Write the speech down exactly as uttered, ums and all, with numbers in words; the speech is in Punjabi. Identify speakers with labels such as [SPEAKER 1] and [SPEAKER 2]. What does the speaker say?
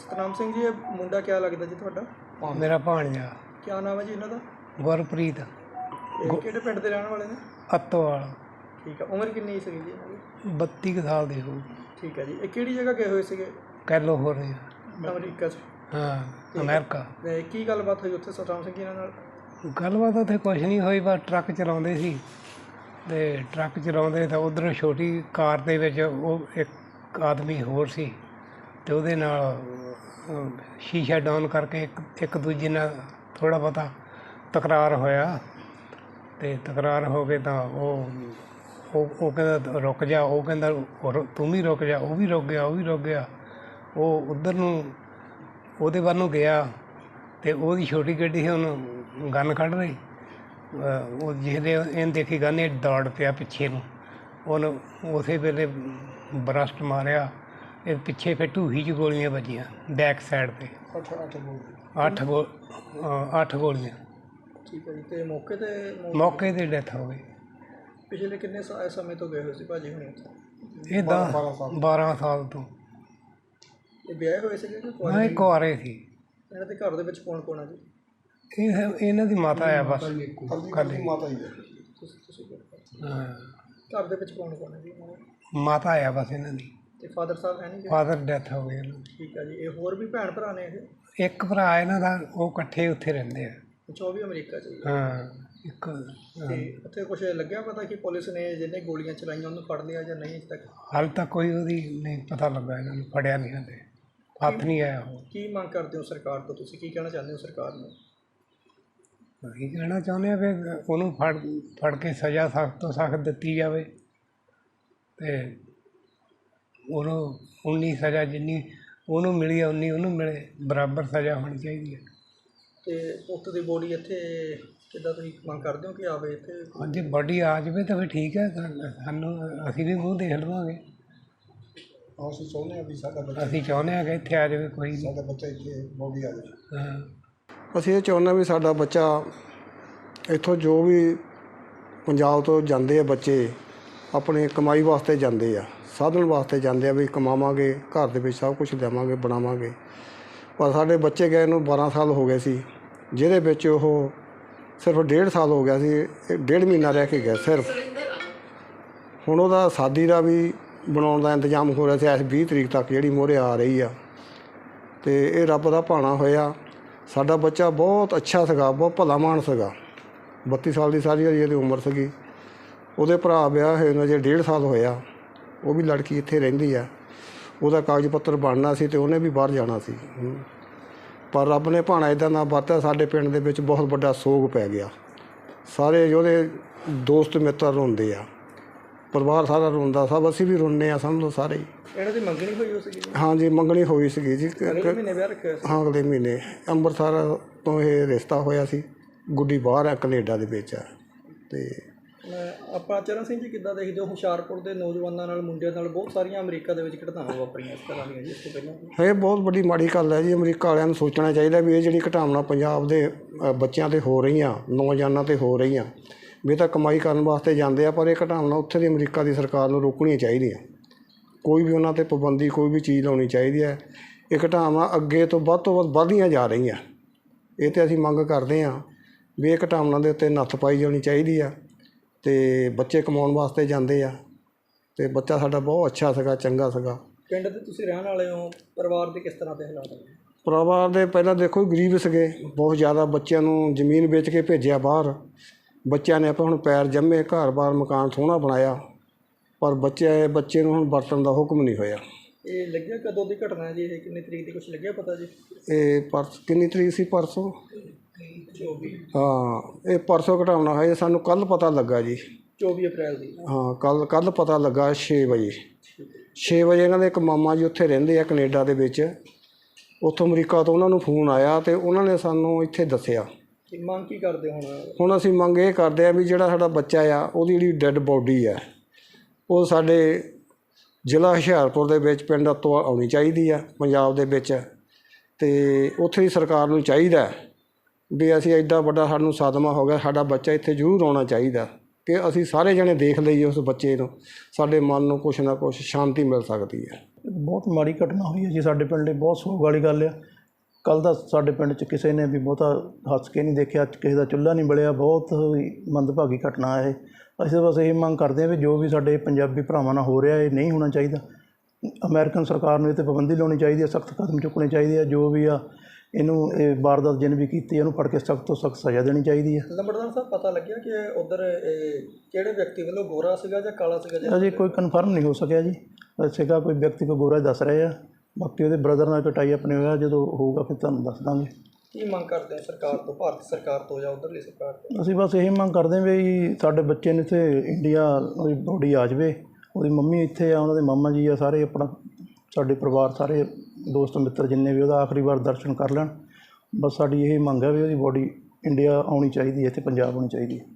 [SPEAKER 1] ਸਤਨਾਮ ਸਿੰਘ ਜੀ, ਇਹ ਮੁੰਡਾ ਕਿਆ ਲੱਗਦਾ ਜੀ ਤੁਹਾਡਾ?
[SPEAKER 2] ਮੇਰਾ ਭਾਣਜਾ
[SPEAKER 1] ਕਿਆ ਨਾਮ ਹੈ ਜੀ ਇਹਨਾਂ ਦਾ?
[SPEAKER 2] ਗੁਰਪ੍ਰੀਤ
[SPEAKER 1] ਇਹ ਕਿਹੜੇ ਪਿੰਡ ਦੇ ਰਹਿਣ ਵਾਲੇ ਨੇ?
[SPEAKER 2] ਅੱਤੋਵਾਲ।
[SPEAKER 1] ਠੀਕ ਆ, ਉਮਰ ਕਿੰਨੀ ਸੀਗੀ ਜੀ ਇਹਨਾਂ ਦੀ?
[SPEAKER 2] ਬੱਤੀ ਕੁ ਸਾਲ ਦੀ ਹੋਊ।
[SPEAKER 1] ਠੀਕ ਹੈ ਜੀ। ਇਹ ਕਿਹੜੀ ਜਗ੍ਹਾ ਗਏ ਹੋਏ ਸੀਗੇ?
[SPEAKER 2] ਕੈਲੀਫੋਰਨੀਆ।
[SPEAKER 1] ਅਮਰੀਕਾ 'ਚ?
[SPEAKER 2] ਹਾਂ, ਅਮਰੀਕਾ।
[SPEAKER 1] ਤੇ ਕੀ ਗੱਲਬਾਤ ਹੋਈ ਉੱਥੇ ਸਤਨਾਮ ਸਿੰਘ ਜੀ ਇਹਨਾਂ ਨਾਲ?
[SPEAKER 2] ਗੱਲਬਾਤ ਉੱਥੇ ਕੁਛ ਨਹੀਂ ਹੋਈ, ਬਸ ਟਰੱਕ ਚਲਾਉਂਦੇ ਸੀ ਅਤੇ ਟਰੱਕ ਚਲਾਉਂਦੇ ਤਾਂ ਉੱਧਰੋਂ ਛੋਟੀ ਕਾਰ ਦੇ ਵਿੱਚ ਉਹ ਇੱਕ ਆਦਮੀ ਹੋਰ ਸੀ ਅਤੇ ਉਹਦੇ ਨਾਲ ਅਹ, ਸ਼ੀਸ਼ਾ ਡਾਊਨ ਕਰਕੇ ਇੱਕ ਇੱਕ ਦੂਜੇ ਨਾਲ ਥੋੜ੍ਹਾ ਬਹੁਤਾ ਤਕਰਾਰ ਹੋਇਆ ਅਤੇ ਤਕਰਾਰ ਹੋ ਕੇ ਤਾਂ ਉਹ ਉਹ ਉਹ ਕਹਿੰਦਾ ਰੁਕ ਜਾ, ਉਹ ਕਹਿੰਦਾ ਰੁ- ਤੂੰ ਵੀ ਰੁਕ ਜਾ, ਉਹ ਵੀ ਰੁਕ ਗਿਆ ਉਹ ਵੀ ਰੁਕ ਗਿਆ। ਉਹ ਉੱਧਰ ਨੂੰ ਉਹਦੇ ਵੱਲ ਨੂੰ ਗਿਆ ਅਤੇ ਉਹਦੀ ਛੋਟੀ ਗੱਡੀ ਸੀ, ਉਹਨੂੰ ਗਨ ਕੱਢ ਰਹੀ। ਅਹ ਉਹ ਜਿਹਦੇ ਇਹਨੇ ਦੇਖੀ ਗਨ, ਇਹ ਦੌੜ ਪਿਆ ਪਿੱਛੇ ਨੂੰ, ਉਹਨੂੰ ਉਸੇ ਵੇਲੇ ਬਰਸਟ ਮਾਰਿਆ। ਇਹ ਪਿੱਛੇ ਫਿਰ ਢੂਹੀ 'ਚ ਗੋਲੀਆਂ ਵੱਜੀਆਂ ਬੈਕ ਸਾਈਡ 'ਤੇ।
[SPEAKER 1] ਅੱਠ ਅੱਠ ਗੋਲੀ?
[SPEAKER 2] ਅੱਠ ਗੋ ਅਹ ਅੱਠ ਗੋਲੀਆਂ।
[SPEAKER 1] ਠੀਕ ਹੈ ਜੀ। ਅਤੇ ਮੌਕੇ 'ਤੇ ਮੌ-
[SPEAKER 2] ਮੌਕੇ 'ਤੇ ਡੈਥ ਹੋ ਗਈ।
[SPEAKER 1] ਪਿਛਲੇ ਕਿੰਨੇ ਸਾ- ਸਮੇਂ ਤੋਂ ਗਏ ਹੋਏ ਸੀ ਭਾਜੀ ਹੁਣੀ ਉੱਥੇ?
[SPEAKER 2] ਇਹ ਦਸ ਬਾਰ੍ਹਾਂ ਸਾਲ ਤੋਂ।
[SPEAKER 1] ਇਹ ਵਿਆਹੇ ਹੋਏ ਸੀਗੇ ਕਿ
[SPEAKER 2] ਹਾਂ,
[SPEAKER 1] ਕੁਆਰੇ?
[SPEAKER 2] ਇਹ ਕੁਆਰੇ ਸੀ।
[SPEAKER 1] ਇਹਨਾਂ ਦੇ ਘਰ ਦੇ ਵਿੱਚ ਕੌਣ ਕੌਣ ਆ ਜੀ?
[SPEAKER 2] ਇਹ ਇਹਨਾਂ ਦੀ ਮਾਤਾ ਆ ਬਸ ਕੱਲੀ।
[SPEAKER 1] ਮਾਤਾ ਜੀ ਤੁਸੀਂ ਤੁਸੀਂ
[SPEAKER 2] ਹਾਂ,
[SPEAKER 1] ਘਰ ਦੇ ਵਿੱਚ ਕੌਣ ਕੌਣ ਹੈ ਜੀ ਇਹਨਾਂ ਦੇ?
[SPEAKER 2] ਮਾਤਾ ਆ ਬਸ ਇਹਨਾਂ ਦੀ।
[SPEAKER 1] ਅਤੇ ਫਾਦਰ ਸਾਹਿਬ ਹੈ ਨਹੀਂ ਜੀ?
[SPEAKER 2] ਫਾਦਰ ਡੈਥ ਹੋ ਗਈ ਇਹਨਾਂ
[SPEAKER 1] ਠੀਕ ਹੈ ਜੀ। ਇਹ ਹੋਰ ਵੀ ਭੈਣ ਭਰਾ ਨੇ ਇਹ?
[SPEAKER 2] ਦੀ। ਇੱਕ ਭਰਾ ਇਹਨਾਂ ਦਾ, ਉਹ ਇਕੱਠੇ ਉੱਥੇ ਰਹਿੰਦੇ ਆ।
[SPEAKER 1] ਅੱਛਾ, ਉਹ ਵੀ ਅਮਰੀਕਾ 'ਚ ਜੀ?
[SPEAKER 2] ਹਾਂ, ਇੱਕ
[SPEAKER 1] ਤੇ ਉੱਥੇ ਕੁਛ ਲੱਗਿਆ ਪਤਾ ਕਿ ਪੁਲਿਸ ਨੇ ਜਿਹਨੇ ਗੋਲੀਆਂ ਚਲਾਈਆਂ ਉਹਨੂੰ ਫੜ ਲਿਆ ਜਾਂ ਨਹੀਂ ਅਜੇ ਤੱਕ?
[SPEAKER 2] ਹਾਲੇ ਤੱਕ ਕੋਈ ਉਹਦੀ ਨਹੀਂ ਪਤਾ ਲੱਗਾ, ਇਹਨਾਂ ਨੂੰ ਫੜਿਆ ਨਹੀਂ ਹਾਲੇ, ਹੱਥ ਨਹੀਂ ਆਇਆ ਉਹ।
[SPEAKER 1] ਕੀ ਮੰਗ ਕਰਦੇ ਹੋ ਸਰਕਾਰ ਤੋਂ? ਤੁਸੀਂ ਕੀ ਕਹਿਣਾ ਚਾਹੁੰਦੇ ਹੋ ਸਰਕਾਰ ਨੂੰ?
[SPEAKER 2] ਅਸੀਂ ਕਹਿਣਾ ਚਾਹੁੰਦੇ ਹਾਂ ਵੀ ਉਹਨੂੰ ਫੜ ਫੜ ਕੇ ਸਜ਼ਾ ਸਖਤ ਤੋਂ ਸਖਤ ਦਿੱਤੀ ਜਾਵੇ ਅਤੇ ਉਹਨੂੰ ਉਨੀ ਸਜ਼ਾ ਜਿੰਨੀ ਉਹਨੂੰ ਮਿਲੀ ਆ ਉਨੀ ਉਹਨੂੰ ਮਿਲੇ, ਬਰਾਬਰ ਸਜ਼ਾ ਹੋਣੀ ਚਾਹੀਦੀ ਹੈ।
[SPEAKER 1] ਤੇ ਪੁੱਤ ਦੀ ਬੋਡੀ ਇੱਥੇ ਕਿੱਦਾਂ ਤੁਸੀਂ ਮੰਗ ਕਰਦੇ ਹੋ ਕਿ ਆਵੇ ਇੱਥੇ?
[SPEAKER 2] ਹਾਂਜੀ, ਬਾਡੀ ਆ ਜਾਵੇ ਤਾਂ ਫਿਰ ਠੀਕ ਹੈ, ਸਾ- ਸਾਨੂੰ ਅਸੀਂ ਵੀ ਮੂੰਹ ਦੇਖ ਲਵਾਂਗੇ।
[SPEAKER 1] ਅਸੀਂ ਚਾਹੁੰਦੇ ਹਾਂ ਵੀ ਸਾਡਾ ਬੱਚਾ
[SPEAKER 2] ਅਸੀਂ ਚਾਹੁੰਦੇ ਹਾਂ ਕਿ ਇੱਥੇ ਆ ਜਾਵੇ, ਕੋਈ ਨਹੀਂ।
[SPEAKER 1] ਸਾਡਾ ਬੱਚਾ ਇੱਥੇ ਬੋਡੀ ਆ ਜਾਵੇ।
[SPEAKER 2] ਹਾਂ,
[SPEAKER 3] ਅਸੀਂ ਇਹ ਚਾਹੁੰਦੇ ਵੀ ਸਾਡਾ ਬੱਚਾ ਇੱਥੋਂ, ਜੋ ਵੀ ਪੰਜਾਬ ਤੋਂ ਜਾਂਦੇ ਆ ਬੱਚੇ, ਆਪਣੇ ਕਮਾਈ ਵਾਸਤੇ ਜਾਂਦੇ ਆ, ਸਾਧਨ ਵਾਸਤੇ ਜਾਂਦੇ ਆ ਵੀ ਕਮਾਵਾਂਗੇ, ਘਰ ਦੇ ਵਿੱਚ ਸਭ ਕੁਝ ਲਿਆਵਾਂਗੇ, ਬਣਾਵਾਂਗੇ। ਪਰ ਸਾਡੇ ਬੱਚੇ ਗਏ ਨੂੰ ਬਾਰ੍ਹਾਂ ਸਾਲ ਹੋ ਗਏ ਸੀ, ਜਿਹਦੇ ਵਿੱਚ ਉਹ ਸਿਰਫ ਡੇਢ ਸਾਲ ਹੋ ਗਿਆ ਸੀ, ਇਹ ਡੇਢ ਮਹੀਨਾ ਰਹਿ ਕੇ ਗਿਆ ਸਿਰਫ। ਹੁਣ ਉਹਦਾ ਸ਼ਾਦੀ ਦਾ ਵੀ ਬਣਾਉਣ ਦਾ ਇੰਤਜ਼ਾਮ ਹੋ ਰਿਹਾ ਸੀ ਇਸ ਵੀਹ ਤਰੀਕ ਤੱਕ, ਜਿਹੜੀ ਮੂਹਰੇ ਆ ਰਹੀ ਆ। ਅਤੇ ਇਹ ਰੱਬ ਦਾ ਭਾਣਾ ਹੋਇਆ। ਸਾਡਾ ਬੱਚਾ ਬਹੁਤ ਅੱਛਾ ਸੀਗਾ, ਬਹੁਤ ਭਲਾ ਮਾਨਸ ਸੀਗਾ। ਬੱਤੀ ਸਾਲ ਦੀ ਸਾਰੀ ਇਹਦੀ ਉਮਰ ਸੀਗੀ। ਉਹਦੇ ਭਰਾ ਵਿਆਹ ਹੋਏ ਨੂੰ ਅਜੇ ਡੇਢ ਸਾਲ ਹੋਇਆ, ਉਹ ਵੀ ਲੜਕੀ ਇੱਥੇ ਰਹਿੰਦੀ ਆ। ਉਹਦਾ ਕਾਗਜ਼ ਪੱਤਰ ਬਣਨਾ ਸੀ ਅਤੇ ਉਹਨੇ ਵੀ ਬਾਹਰ ਜਾਣਾ ਸੀ, ਪਰ ਰੱਬ ਨੇ ਭਾਣਾ ਇੱਦਾਂ ਦਾ ਵਰਤਿਆ, ਸਾਡੇ ਪਿੰਡ ਦੇ ਵਿੱਚ ਬਹੁਤ ਵੱਡਾ ਸੋਗ ਪੈ ਗਿਆ। ਸਾਰੇ ਉਹਦੇ ਦੋਸਤ ਮਿੱਤਰ ਰੋਂਦੇ ਆ, ਪਰਿਵਾਰ ਸਾਰਾ ਰੋਂਦਾ, ਸਭ ਅਸੀਂ ਵੀ ਰੋਂਦੇ ਹਾਂ, ਸਮਝ ਲਓ ਸਾਰੇ ਹੀ।
[SPEAKER 1] ਇਹਨਾਂ ਦੀ ਮੰਗਣੀ ਹੋਈ ਹੋ ਸੀਗੀ?
[SPEAKER 3] ਹਾਂਜੀ, ਮੰਗਣੀ ਹੋਈ ਸੀਗੀ ਜੀ।
[SPEAKER 1] ਅਗਲੇ ਮਹੀਨੇ ਵਿਆਹ ਰੱਖਿਆ ਸੀ?
[SPEAKER 3] ਹਾਂ, ਅਗਲੇ ਮਹੀਨੇ ਅੰਮ੍ਰਿਤਸਰ ਤੋਂ ਇਹ ਰਿਸ਼ਤਾ ਹੋਇਆ ਸੀ। ਗੁੱਡੀ ਬਾਹਰ ਆ, ਕੈਨੇਡਾ ਦੇ ਵਿੱਚ ਆ। ਅਤੇ
[SPEAKER 1] ਆਪਾਂ ਚਰਨ ਸਿੰਘ ਜੀ ਕਿੱਦਾਂ ਦੇਖਦੇ ਹੋ ਹੁਸ਼ਿਆਰਪੁਰ ਦੇ ਨੌਜਵਾਨਾਂ ਨਾਲ, ਮੁੰਡਿਆਂ ਨਾਲ ਬਹੁਤ ਸਾਰੀਆਂ ਅਮਰੀਕਾ ਦੇ ਵਿੱਚ ਘਟਨਾਵਾਂ ਵਾਪਰੀਆਂ ਇਸ ਤਰ੍ਹਾਂ ਦੀਆਂ ਜੀ ਇਸ ਤੋਂ ਪਹਿਲਾਂ?
[SPEAKER 3] ਇਹ ਬਹੁਤ ਵੱਡੀ ਮਾੜੀ ਗੱਲ ਹੈ ਜੀ। ਅਮਰੀਕਾ ਵਾਲਿਆਂ ਨੂੰ ਸੋਚਣਾ ਚਾਹੀਦਾ ਵੀ ਇਹ ਜਿਹੜੀ ਘਟਨਾਵਾਂ ਪੰਜਾਬ ਦੇ ਅ, ਬੱਚਿਆਂ 'ਤੇ ਹੋ ਰਹੀਆਂ, ਨੌਜਵਾਨਾਂ 'ਤੇ ਹੋ ਰਹੀਆਂ, ਵੀ ਇਹ ਤਾਂ ਕਮਾਈ ਕਰਨ ਵਾਸਤੇ ਜਾਂਦੇ ਆ, ਪਰ ਇਹ ਘਟਨਾਵਾਂ ਉੱਥੇ ਦੀ ਅਮਰੀਕਾ ਦੀ ਸਰਕਾਰ ਨੂੰ ਰੋਕਣੀਆਂ ਚਾਹੀਦੀਆਂ। ਕੋਈ ਵੀ ਉਹਨਾਂ 'ਤੇ ਪਾਬੰਦੀ, ਕੋਈ ਵੀ ਚੀਜ਼ ਲਾਉਣੀ ਚਾਹੀਦੀ ਹੈ। ਇਹ ਘਟਨਾਵਾਂ ਅੱਗੇ ਤੋਂ ਵੱਧ ਤੋਂ ਵੱਧ ਵੱਧਦੀਆਂ ਜਾ ਰਹੀਆਂ। ਇਹ 'ਤੇ ਅਸੀਂ ਮੰਗ ਕਰਦੇ ਹਾਂ ਵੀ ਇਹ ਘਟਨਾਵਾਂ ਦੇ ਉੱਤੇ ਨੱਥ ਪਾਈ ਜਾਣੀ ਚਾਹੀਦੀ ਆ। ਅਤੇ ਬੱਚੇ ਕਮਾਉਣ ਵਾਸਤੇ ਜਾਂਦੇ ਆ, ਅਤੇ ਬੱਚਾ ਸਾਡਾ ਬਹੁਤ ਅੱਛਾ ਸੀਗਾ, ਚੰਗਾ ਸੀਗਾ।
[SPEAKER 1] ਪਿੰਡ ਦੇ ਤੁਸੀਂ ਰਹਿਣ ਵਾਲੇ ਹੋ, ਪਰਿਵਾਰ ਦੇ ਕਿਸ ਤਰ੍ਹਾਂ ਦੇ ਹਾਲਾਤ ਨੇ?
[SPEAKER 3] ਪਰਿਵਾਰ ਦੇ ਪਹਿਲਾਂ ਦੇਖੋ ਗਰੀਬ ਸੀਗੇ ਬਹੁਤ ਜ਼ਿਆਦਾ। ਬੱਚਿਆਂ ਨੂੰ ਜ਼ਮੀਨ ਵੇਚ ਕੇ ਭੇਜਿਆ ਬਾਹਰ। ਬੱਚਿਆਂ ਨੇ ਆਪਾਂ ਹੁਣ ਪੈਰ ਜੰਮੇ, ਘਰ-ਬਾਰ ਮਕਾਨ ਸੋਹਣਾ ਬਣਾਇਆ, ਪਰ ਬੱਚੇ ਬੱਚੇ ਨੂੰ ਹੁਣ ਵਰਤਣ ਦਾ ਹੁਕਮ ਨਹੀਂ ਹੋਇਆ।
[SPEAKER 1] ਇਹ ਲੱਗਿਆ ਕਦੋਂ ਦੀ ਘਟਨਾ ਹੈ ਜੀ? ਇਹ ਕਿੰਨੀ ਤਰੀਕ ਦੀ ਕੁਛ ਲੱਗਿਆ ਪਤਾ ਜੀ?
[SPEAKER 3] ਇਹ ਪਰਸ ਕਿੰਨੀ ਤਰੀਕ ਸੀ? ਪਰਸੋਂ।
[SPEAKER 1] ਚੌਵੀ?
[SPEAKER 3] ਹਾਂ, ਇਹ ਪਰਸੋਂ ਘਟਾਉਣਾ ਹੋਇਆ, ਸਾਨੂੰ ਕੱਲ੍ਹ ਪਤਾ ਲੱਗਾ ਜੀ।
[SPEAKER 1] ਚੌਵੀ ਅਪ੍ਰੈਲ ਦੀ?
[SPEAKER 3] ਹਾਂ, ਕੱਲ੍ਹ ਕੱਲ੍ਹ ਪਤਾ ਲੱਗਾ ਛੇ ਵਜੇ। ਛੇ ਵਜੇ ਇਹਨਾਂ ਦੇ ਇੱਕ ਮਾਮਾ ਜੀ ਉੱਥੇ ਰਹਿੰਦੇ ਆ ਕੈਨੇਡਾ ਦੇ ਵਿੱਚ, ਉੱਥੋਂ ਅਮਰੀਕਾ ਤੋਂ ਉਹਨਾਂ ਨੂੰ ਫੋਨ ਆਇਆ ਅਤੇ ਉਹਨਾਂ ਨੇ ਸਾਨੂੰ ਇੱਥੇ ਦੱਸਿਆ।
[SPEAKER 1] ਕੀ ਮੰਗ ਕੀ ਕਰਦੇ ਹੁਣ?
[SPEAKER 3] ਹੁਣ ਅਸੀਂ ਮੰਗ ਇਹ ਕਰਦੇ ਹਾਂ ਵੀ ਜਿਹੜਾ ਸਾਡਾ ਬੱਚਾ ਆ, ਉਹਦੀ ਜਿਹੜੀ ਡੈੱਡ ਬੋਡੀ ਆ, ਉਹ ਸਾਡੇ ਜ਼ਿਲ੍ਹਾ ਹੁਸ਼ਿਆਰਪੁਰ ਦੇ ਵਿੱਚ ਪਿੰਡ ਤੋਂ ਆਉਣੀ ਚਾਹੀਦੀ ਆ ਪੰਜਾਬ ਦੇ ਵਿੱਚ। ਅਤੇ ਉੱਥੇ ਦੀ ਸਰਕਾਰ ਨੂੰ ਚਾਹੀਦਾ ਵੀ ਅਸੀਂ ਐਡਾ ਵੱਡਾ ਸਾਨੂੰ ਸਦਮਾ ਹੋ ਗਿਆ, ਸਾਡਾ ਬੱਚਾ ਇੱਥੇ ਜ਼ਰੂਰ ਆਉਣਾ ਚਾਹੀਦਾ। ਕਿ ਅਸੀਂ ਸਾਰੇ ਜਣੇ ਦੇਖ ਲਈਏ ਉਸ ਬੱਚੇ ਨੂੰ, ਸਾਡੇ ਮਨ ਨੂੰ ਕੁਛ ਨਾ ਕੁਛ ਸ਼ਾਂਤੀ ਮਿਲ ਸਕਦੀ ਹੈ।
[SPEAKER 4] ਬਹੁਤ ਮਾੜੀ ਘਟਨਾ ਹੋਈ ਹੈ ਜੀ ਸਾਡੇ ਪਿੰਡ ਲਈ, ਬਹੁਤ ਸੋਗ ਵਾਲੀ ਗੱਲ ਆ। ਕੱਲ੍ਹ ਦਾ ਸਾਡੇ ਪਿੰਡ 'ਚ ਕਿਸੇ ਨੇ ਵੀ ਬਹੁਤਾ ਹੱਸ ਕੇ ਨਹੀਂ ਦੇਖਿਆ, ਕਿਸੇ ਦਾ ਚੁੱਲ੍ਹਾ ਨਹੀਂ ਬਲਿਆ। ਬਹੁਤ ਹੀ ਮੰਦਭਾਗੀ ਘਟਨਾ ਹੈ ਇਹ। ਅਸੀਂ ਬਸ ਇਹ ਮੰਗ ਕਰਦੇ ਹਾਂ ਵੀ ਜੋ ਵੀ ਸਾਡੇ ਪੰਜਾਬੀ ਭਰਾਵਾਂ ਨਾਲ ਹੋ ਰਿਹਾ ਇਹ ਨਹੀਂ ਹੋਣਾ ਚਾਹੀਦਾ। ਅਮਰੀਕਨ ਸਰਕਾਰ ਨੂੰ ਇਹ 'ਤੇ ਪਾਬੰਦੀ ਲਾਉਣੀ ਚਾਹੀਦੀ ਹੈ, ਸਖਤ ਕਦਮ ਚੁੱਕਣੇ ਚਾਹੀਦੇ ਆ। ਜੋ ਵੀ ਆ ਇਹਨੂੰ ਇਹ ਵਾਰਦਾਤ ਜਿਹਨੇ ਵੀ ਕੀਤੀ ਇਹਨੂੰ ਫੜ ਕੇ ਸਖਤ ਤੋਂ ਸਖਤ ਸਜ਼ਾ ਦੇਣੀ ਚਾਹੀਦੀ ਹੈ।
[SPEAKER 1] ਲੰਬੜਦਾਰ ਸਾਹਿਬ, ਪਤਾ ਲੱਗਿਆ ਕਿ ਉੱਧਰ ਕਿਹੜੇ ਵਿਅਕਤੀ ਵੱਲੋਂ ਗੋਰਾ ਸੀਗਾ ਜਾਂ ਕਾਲਾ ਸੀਗਾ ਜੀ?
[SPEAKER 4] ਅਜੇ ਕੋਈ ਕਨਫਰਮ ਨਹੀਂ ਹੋ ਸਕਿਆ ਜੀ। ਸੀਗਾ ਕੋਈ ਵਿਅਕਤੀ ਕੋ ਗੋਰਾ ਦੱਸ ਰਹੇ ਆ, ਬਾਕੀ ਉਹਦੇ ਬ੍ਰਦਰ ਨਾਲ ਕਟਾਈ ਆਪਣੇ ਹੋਇਆ, ਜਦੋਂ ਹੋਊਗਾ ਫਿਰ ਤੁਹਾਨੂੰ ਦੱਸ ਦਾਂਗੇ।
[SPEAKER 1] ਕੀ ਮੰਗ ਕਰਦੇ ਆ ਸਰਕਾਰ ਤੋਂ, ਭਾਰਤ ਸਰਕਾਰ ਤੋਂ ਜਾਂ ਉੱਧਰਲੀ ਸਰਕਾਰ ਤੋਂ?
[SPEAKER 4] ਅਸੀਂ ਬਸ ਇਹੀ ਮੰਗ ਕਰਦੇ ਹਾਂ ਵੀ ਸਾਡੇ ਬੱਚੇ ਨੂੰ ਇੱਥੇ ਇੰਡੀਆ ਉਹਦੀ ਬੋਡੀ ਆ ਜਾਵੇ, ਉਹਦੀ ਮੰਮੀ ਇੱਥੇ ਆ, ਉਹਨਾਂ ਦੇ ਮਾਮਾ ਜੀ ਆ, ਸਾਰੇ ਆਪਣਾ ਸਾਡੇ ਪਰਿਵਾਰ ਸਾਰੇ ਦੋਸਤ ਮਿੱਤਰ ਜਿੰਨੇ ਵੀ ਉਹਦਾ ਆਖਰੀ ਵਾਰ ਦਰਸ਼ਨ ਕਰ ਲੈਣ। ਬਸ ਸਾਡੀ ਇਹ ਮੰਗ ਹੈ ਵੀ ਉਹਦੀ ਬੋਡੀ ਇੰਡੀਆ ਆਉਣੀ ਚਾਹੀਦੀ ਹੈ, ਇੱਥੇ ਪੰਜਾਬ ਆਉਣੀ ਚਾਹੀਦੀ ਹੈ।